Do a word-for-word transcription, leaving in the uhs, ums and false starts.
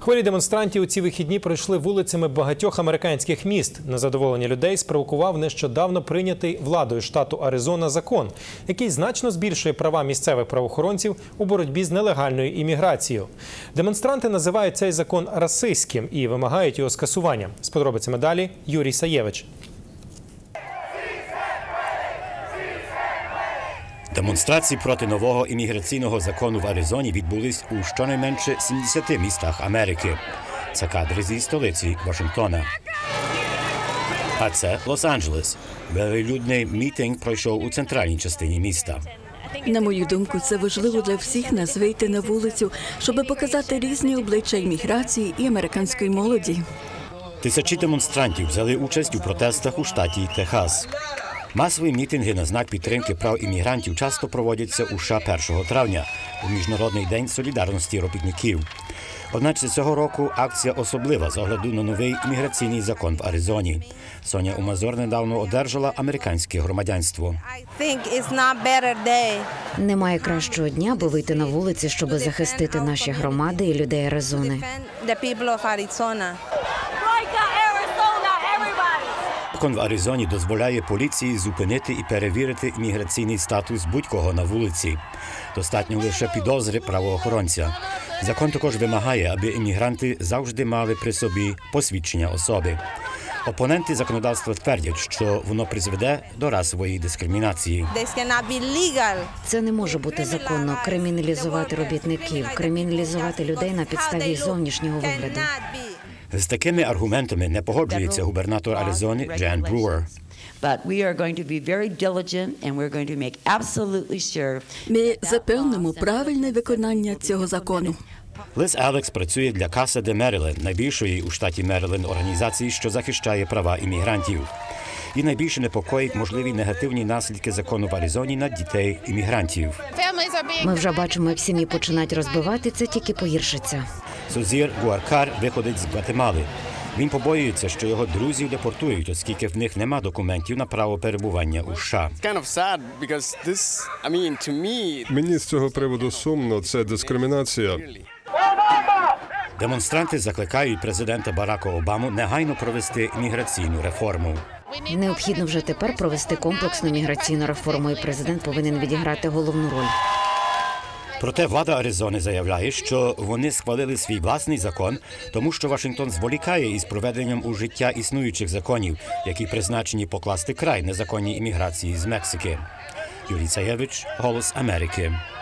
Хвилі демонстрантів у ці вихідні пройшли вулицями багатьох американських міст. Незадоволення людей спровокував нещодавно прийнятий владою штату Аризона закон, який значно збільшує права місцевих правоохоронців у боротьбі з нелегальною імміграцією. Демонстранти називають цей закон расистським і вимагають його скасування. З подробицями далі Юрій Саєвич. Демонстрації проти нового імміграційного закону в Аризоні відбулись у щонайменше сімдесяти містах Америки. Це кадри зі столиці Вашингтона. А це Лос-Анджелес. Велелюдний мітинг пройшов у центральній частині міста. На мою думку, це важливо для всіх нас вийти на вулицю, щоб показати різні обличчя імміграції і американської молоді. Тисячі демонстрантів взяли участь у протестах у штаті Техас. Масові мітинги на знак підтримки прав іммігрантів часто проводяться у США першого травня, у Міжнародний день солідарності робітників. Одначе цього року акція особлива з огляду на новий імміграційний закон в Аризоні. Соня Умазор недавно одержала американське громадянство. Немає кращого дня, аби вийти на вулиці, щоб захистити наші громади і людей Аризони. Закон в Аризоні дозволяє поліції зупинити і перевірити імміграційний статус будь-кого на вулиці. Достатньо лише підозри правоохоронця. Закон також вимагає, аби іммігранти завжди мали при собі посвідчення особи. Опоненти законодавства твердять, що воно призведе до расової дискримінації. Це не може бути законно – криміналізувати робітників, криміналізувати людей на підставі зовнішнього вигляду. З такими аргументами не погоджується губернатор Аризони Джен Брюер. Ми запевнимо правильне виконання цього закону. Лиз Алекс працює для Casa de Maryland, найбільшої у штаті Мериленд організації, що захищає права іммігрантів. І найбільше непокоїть можливі негативні наслідки закону в Аризоні на дітей іммігрантів. Ми вже бачимо, як сім'ї починають розбивати, це тільки погіршиться. Созір Гуаркар виходить з Гватемали. Він побоюється, що його друзів депортують, оскільки в них нема документів на право перебування у США. Мені з цього приводу сумно, це дискримінація. Демонстранти закликають президента Барака Обаму негайно провести імміграційну реформу. Необхідно вже тепер провести комплексну міграційну реформу, і президент повинен відіграти головну роль. Проте влада Аризони заявляє, що вони схвалили свій власний закон, тому що Вашингтон зволікає із проведенням у життя існуючих законів, які призначені покласти край незаконній імміграції з Мексики. Юрій Саєвич, Голос Америки.